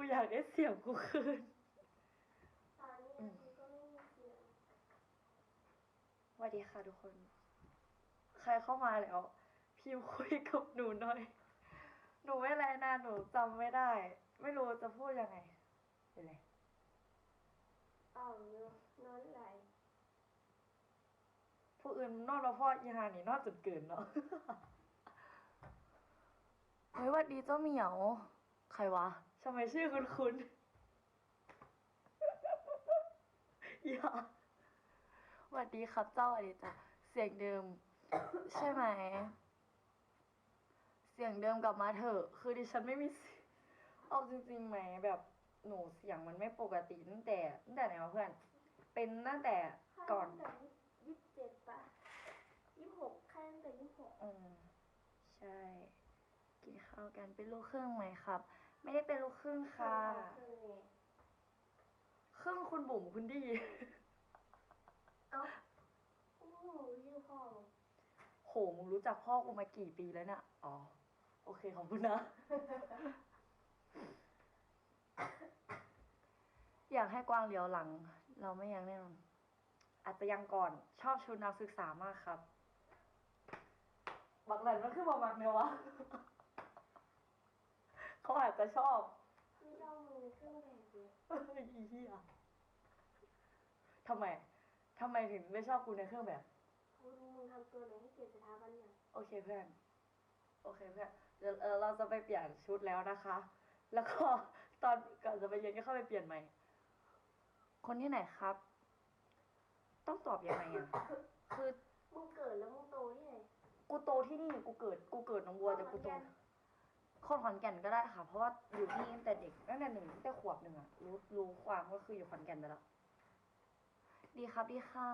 อยากได้เสียงกูคืนตอนนี้กูก็ไม่มีเสียงสวัสดีค่ะทุกคน ใครเข้ามาแล้ว พิมพ์คุยกับหนูหน่อย หนูไม่ไรนะหนูจำไม่ได้ ไม่รู้จะพูดยังไงเป็นไรอ่อมอยู่นอนไหลผู้อื่นนอนมาพ่ออีหานี่นอนจนเกินเนาะ เฮ้ยสวัสดีเจ้าเหมียว ใครวะทำไมชื่อคุณ อย่าสวัสดีครับเจ้าสวัสดีจ้ะเสียงเดิม ใช่ไหม เสียงเดิมกลับมาเถอะ คือดิฉันไม่มีเอาจริงๆไหมแบบหนูเสียงมันไม่ปกติตั้งแต่ไหนวะเพื่อน เป็นตั้งแต่ก่อนตั้งแต่27ป่ะ26แค่ตั้งแต่26 ใช่ กินข้าวกันเป็นลูกครึ่งไหมครับ ไม่ได้เป็นลูกครึ่งค่ะครึ่งคุณบุ๋มคุณดีเอ้าโอ้โหชื่อพ่อโหมึงรู้จักพ่อกูมากี่ปีแล้วเนี่ยอ๋อ โอเคขอบคุณนะ อยากให้กวางเลี้ยวหลัง เราไม่ยังแน่นอนอาจจะยังก่อนชอบชุดนักศึกษามากครับ บักหลันมันคือบักเนี่ยวะ เขาอาจจะชอบไม่ชอบมึงในเครื่องแบบเลยอีเหี้ยทำไมถึงไม่ชอบกูในเครื่องแบบกูดูมึงทำตัวไหนให้เกียรติสถาบันอย่างโอเคเพื่อน เดี๋ยวเราจะไปเปลี่ยนชุดแล้วนะคะ แล้วก็ตอนก่อนจะไปเรียนก็เข้าไปเปลี่ยนใหม่ คนที่ไหนครับ ต้องตอบยังไงอ่ะ คือมึงเกิดแล้วมึงโตที่ไหนกูโตที่นี่กูเกิดหนองบัวแต่กูโตคนขอนแก่นก็ได้ค่ะ เพราะว่าอยู่ที่ตั้งแต่เด็กตั้งแต่ตั้งแต่ขวบหนึ่งอะรู้ความก็คืออยู่ขอนแก่นไปแล้ว ดีครับดีค่ะ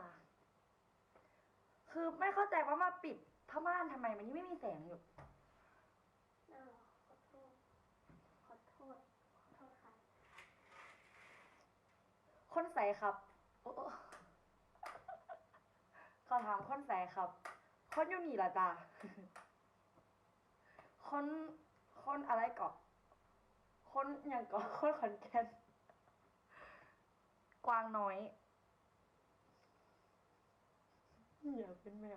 คือไม่เข้าใจว่ามาปิดผ้าม่านทำไมมันยังไม่มีแสงอยู่น่าหรอขอโทษค่ะคนใสครับโอ้เขาถามคนใสครับ คนอยู่นี่ละจ้า คนอะไรเกาะคนอย่างเกาะคนขอนแก่นกวางน้อย อย่าเป็นแมว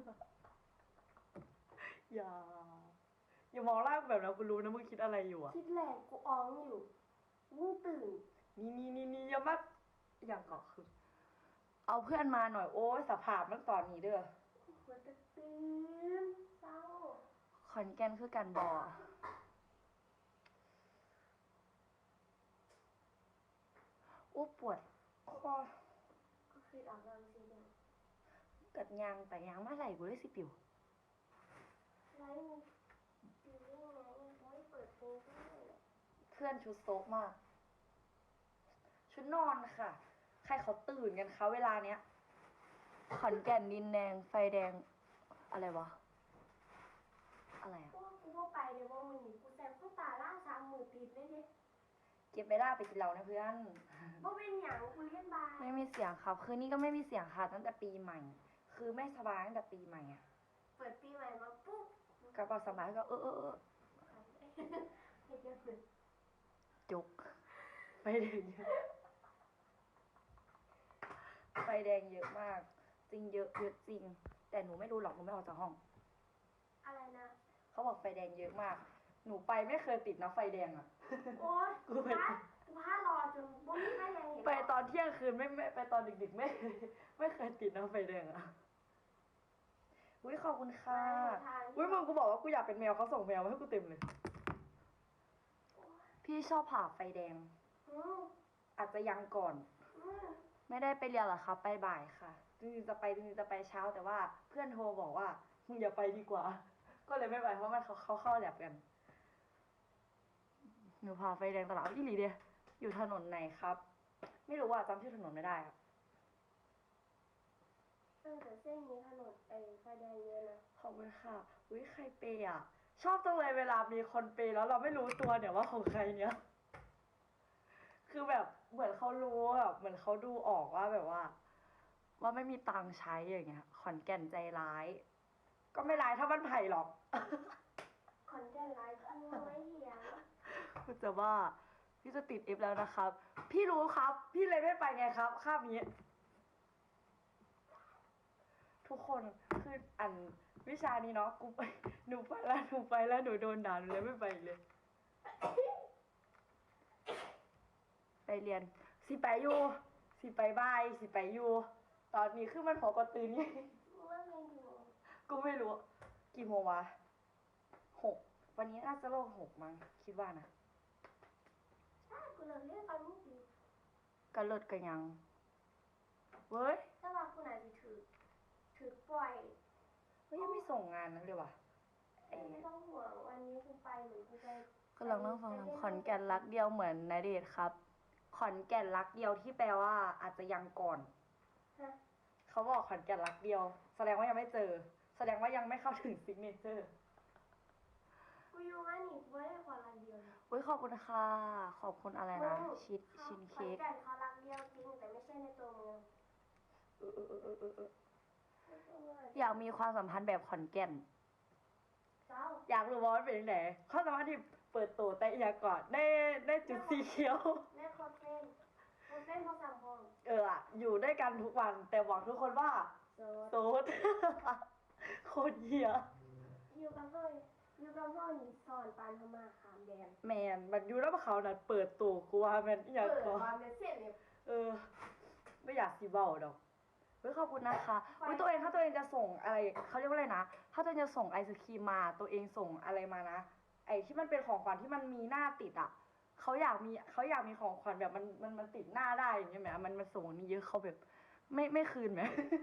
อย่ามองร่างแบบนั้นกูรู้นะมึงคิดอะไรอยู่อะคิดแหลกกูอ้องอยู่มึงตื่นนี่อย่ามาอย่างเกาะคือ เอาเพื่อนมาหน่อยโอ้ยสภาพมันตอนนี้เด้อหัวจะตื่นเศร้าขอนแก่นคือกันบอโอ้ปวดคอก็คือออกกำลังสีแดงเกิดยางแต่ยางมาไหลกูได้สิปิวไรมึงตื่นยังไงเขาให้เปิดเพลงด้วยเพื่อนชุดโซกมาก ชุดนอนค่ะ ใครเขาตื่นกันคะเวลาเนี้ย ขอนแก่นดินแดงไฟแดง อะไรวะ อะไรอะพวกกูก็ไปเดี๋ยวว่ามึงหนีกูแซมเข้าตาล่า3 มือติดเลยดิเก็บไปได้ไปกินเหล้านะเพื่อนว่าเป็นอย่างกูเล่นบาร์ไม่มีเสียงครับ คืนนี้ก็ไม่มีเสียงค่ะตั้งแต่ปีใหม่ คือไม่สบายตั้งแต่ปีใหม่อะเปิดปีใหม่มาปุ๊บกระเป๋าสบายก็เห็นยังไงจุกไฟแดงเยอะไฟแดงเยอะมาก จริงเยอะจริง แต่หนูไม่รู้หรอกหนูไม่ออกจากห้องอะไรนะเขาบอกไฟแดงเยอะมาก หนูไปไม่เคยติดนะไฟแดงอะโอ๊ยกูพารอจนบ่มีใครยังเห็นไปตอนเที่ยงคืนไม่ไปตอนดึกๆไม่เคยติดนะไฟแดงอะอุ้ยขอบคุณค่ะอุ้ยมึงกูบอกว่ากูอยากเป็นแมวเขาส่งแมวมาให้กูเต็มเลย พี่ชอบผ่าไฟแดงอืมอาจจะยังก่อนอืมไม่ได้ไปเรียนหรอคะไปบ่ายค่ะจริงๆจะไปเช้าแต่ว่าเพื่อนโทรบอกว่ามึงอย่าไปดีกว่า ก็เลยไม่ไปเพราะมันเขาเข้าแลบกันหนูพาไฟแดงตลอดอีหลีเดียอยู่ถนนไหนครับ ไม่รู้ว่าจำชื่อถนนไม่ได้อะแต่เส้นนี้ถนนไฟแดงเยอะนะขอบคุณค่ะอุ้ยใครเปย์อ่ะ ชอบจังเลยเวลามีคนเปย์แล้วเราไม่รู้ตัวเนี่ยว่าของใครเนี่ย คือแบบเหมือนเขารู้แบบเหมือนเขาดูออกว่าแบบว่าไม่มีตังค์ใช้อย่างเงี้ย ขอนแก่นใจร้าย ก็ไม่ร้ายถ้ามันไผ่หรอกขอนแก่นไลฟ์กูไม่เหี้ยกูจะว่าพี่จะติด F แล้วนะครับ พี่รู้ครับ พี่เลยไม่ไปไงครับคาบนี้ ทุกคนคืออันวิชานี้เนาะกูไปหนูไปแล้วหนูโดนด่าหนูเลยไม่ไปอีกเลย ไปเรียนสิไปอยู่สิไปบายสิไปอยู่ตอนนี้คือมันพอกระตื่นไงว่าไงอยู่กูไม่รู้ กี่โมงวะ6 วันนี้น่าจะโลก6มั้งคิดว่านะใช่กูเลยเรียกตอนนี้ดีก็เลิศกันยัง เว้ยถ้าว่ากูไหนจะถือปล่อยเฮ้ยยังไม่ส่งงานนั้นเลยว่ะไอ้ไม่ต้องห่วงวันนี้กูไปหรือกูไปกำลังนั่งฟังขอนแก่นรักเดียวเหมือนณเดชน์ครับ ขอนแก่นรักเดียวที่แปลว่าอาจจะยังก่อนฮะเขาบอกขอนแก่นรักเดียว แสดงว่ายังไม่เจอ แสดงว่ายังไม่เข้าถึงซิกเนเจอร์กูอยู่ว่านี่กูไม่ได้ขอรักเดียวนะอุ้ยขอบคุณค่ะ ขอบคุณอะไรนะ ชินเค้กขอนแก่นเขารักเดียวจริงแต่ไม่ใช่ในตัวเมือง ในตัวเมืองอยากมีความสัมพันธ์แบบขอนแก่นเจ้าอยากรู้ว่ามันเป็นยังไงความสัมพันธ์ที่เปิดตัวแต่อยากก่อนได้จุดสีเขียวแม่โคตรเส้นโคตรเส้นเพราะสั่งพองอยู่ด้วยกันทุกวัน แต่บอกทุกคนว่าโซโสด โคตรเหี้ยอยู่กับพ่อนี่สอนปานพม่าขามแดนแมนมันอยู่แล้วเขาน่ะเปิดตัวกูว่าแมนอหย่างเปิดก่อนความเป็นเส้นเนี่ยไม่อยากสีเบาดอกเฮ้ยขอบคุณนะคะอุ้ยตัวเองถ้าตัวเองจะส่งอะไรเขาเรียกว่าอะไรนะถ้าตัวเองจะส่งไอศครีมมาตัวเองส่งอะไรมานะไอที่มันเป็นของขวัญที่มันมีหน้าติดอ่ะเขาอยากมีของขวัญแบบมันติดหน้าได้อย่างเงี้ยไหมมันส่งอันนี้เยอะเขาแบบไม่คืนไหม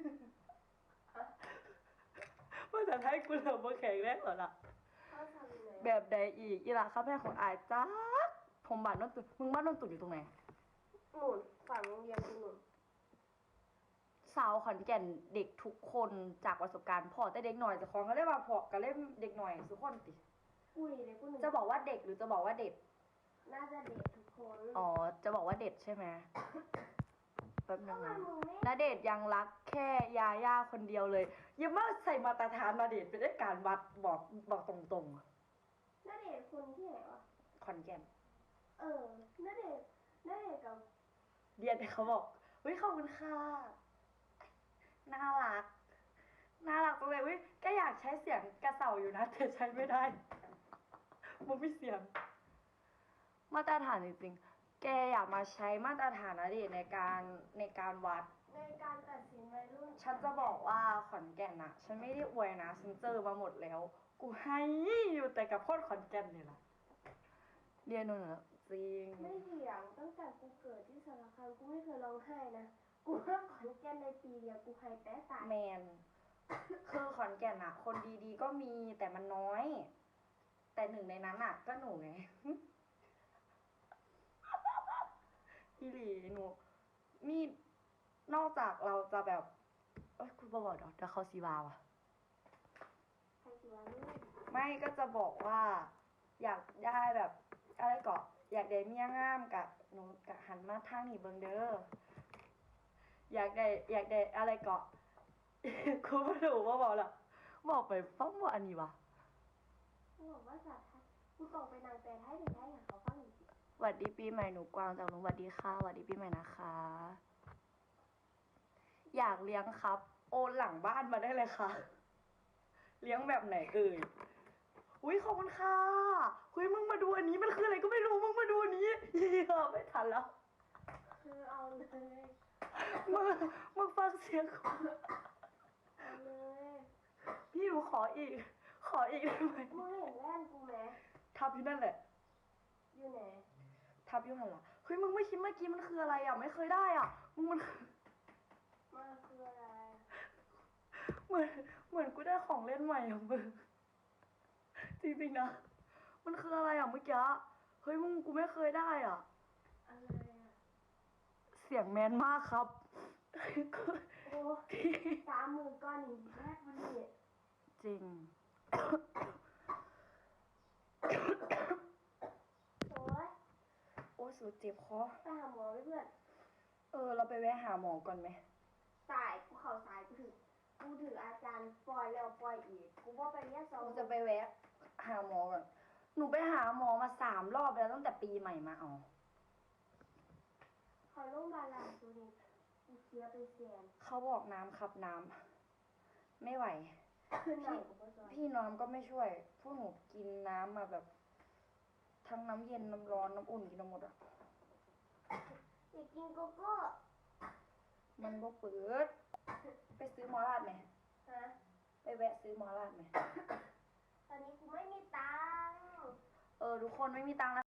ว่าจะให้กูเริ่มมาแข่งแรกเหรอล่ะเขาทำยังไงแบบใดอีกอีหล่ะครับแม่ของอายจ้าผมบ้านนนตุนมึงบ้านนนตุนอยู่ตรงไหนหนุนฝั่งโรงเรียนกูหนุนสาวขอนแก่นเด็กทุกคนจากประสบการณ์พอแต่เด็กหน่อยจะคล้องก็เรียกว่าพอก็เล่นเด็กหน่อยทุกคนติกูนี่เลยกูหนุนจะบอกว่าเด็กหรือจะบอกว่าเด็ดน่าจะเด็กทุกคนอ๋อจะบอกว่าเด็ดใช่ไหมแป๊บนึทำงไมนะมึงไม่ณเดชน์ยังรักแค่ยาย่าคนเดียวเลยอยังมาใส่มาตรฐานณเดชน์ไปได้การวัดบอกตรงน่าเด็กคนที่ไหนวะๆขอนแก่นน่าเด็กกับเรียนแต่เขาบอกเฮ้ยขอบคุณค่ะน่ารักจังเลยเว้ยก็อยากใช้เสียงกระเสาอยู่นะแต่ใช้ไม่ได้ มันไม่เสียง มาตรฐานจริงๆ แกอยากมาใช้มาตรฐานณเดชน์ในการวัดในการตัดสินวัยรุ่นฉันจะบอกว่าขอนแก่นอะฉันไม่ได้อวยนะฉันเจอมาหมดแล้ว กูให้อยู่แต่กับพ่นขอนแก่นนี่แหละเรียนนู่นเหรอจริงไม่เถียงตั้งแต่กูเกิดที่สารคามกูไม่เคยร้องไห้นะกูว่าขอนแก่นในปีเดียวกูไห้แต่ตายแมน คือขอนแก่นอะคนดีๆก็มีแต่มันน้อย แต่หนึ่งในนั้นอะก็หนูไง พี่หลีหนูนี่นอกจากเราจะแบบเอ้ยคุณบอกเดี๋ยวเขาซีวาวอะใครสิวะนี่ไม่ก็จะบอกว่า อยากได้แบบอะไรเกาะอยากได้เมียงามกับหนูกะหันมาทางนี้เบิงเด้ออยากได้อะไรเกาะ กูไม่รู้ว่าบอกละบอกไปฟังว่าอันนี้วะกูบอกว่าสัตว์ไทยกูส่งไปนางแปลไทยถึงได้อย่างเขาฟังอีกสวัสดีปีใหม่หนูกวางจากลุงสวัสดีค่ะสวัสดีปีใหม่นะคะ อยากเลี้ยงครับ โอนหลังบ้านมาได้เลยค่ะ เลี้ยงแบบไหนเอ่ยอุ้ยขอบคุณค่ะเฮ้ยมึงมาดูอันนี้มันคืออะไรก็ไม่รู้มึงมาดูอันนี้เหี้ยไม่ทันแล้วคือเอาเลยมึงฟังเสียงก่อนเอาเลยพี่หนูขออีกได้ไหมมึงเห็นแว่นกูไหมทับอยู่นั่นแหละอยู่ไหนทับอยู่หันหละเฮ้ยมึงไม่คิดเมื่อกี้มันคืออะไรอ่ะไม่เคยได้อ่ะมึงมันคือมันคืออะไรเหมือนกูได้ของเล่นใหม่ของมึงจริงๆนะมันคืออะไรอ่ะเมื่อกี้เฮ้ยมึงกูไม่เคยได้อ่ะอะไรอ่ะเสียงแมนมากครับโอ้30,000ก้อนอีกแรกมันนี่จริงโอ้ยโอ้ยสูดเจ็บคอไปหาหมอไหมเพื่อนเราไปแวะหาหมอก่อนไหมสายกูเข่าสายกูถึงอาจารย์ปล่อยแล้วปล่อยอีกกูว่าไปเรียกสองหนูจะไปแวะหาหมอก่อนหนูไปหาหมอมา3 รอบแล้วตั้งแต่ปีใหม่มาเอาเขาโรงพยาบาลล่าสุดนี่กูเสียไปแสนเขาบอกน้ำครับน้ำไม่ไหวคือหนังกับพ่อจอยพี่น้ำก็ไม่ช่วย พวกหนูกินน้ำมาแบบ ทั้งน้ำเย็นน้ำร้อนน้ำอุ่นกินมาหมดอ่ะอยากกินโกโก้มันบ่เปิด ไปซื้อหมอราดไหมฮะไปแวะซื้อหมอราดไหมตอนนี้กูไม่มีตังค์ทุกคนไม่มีตังค์นะ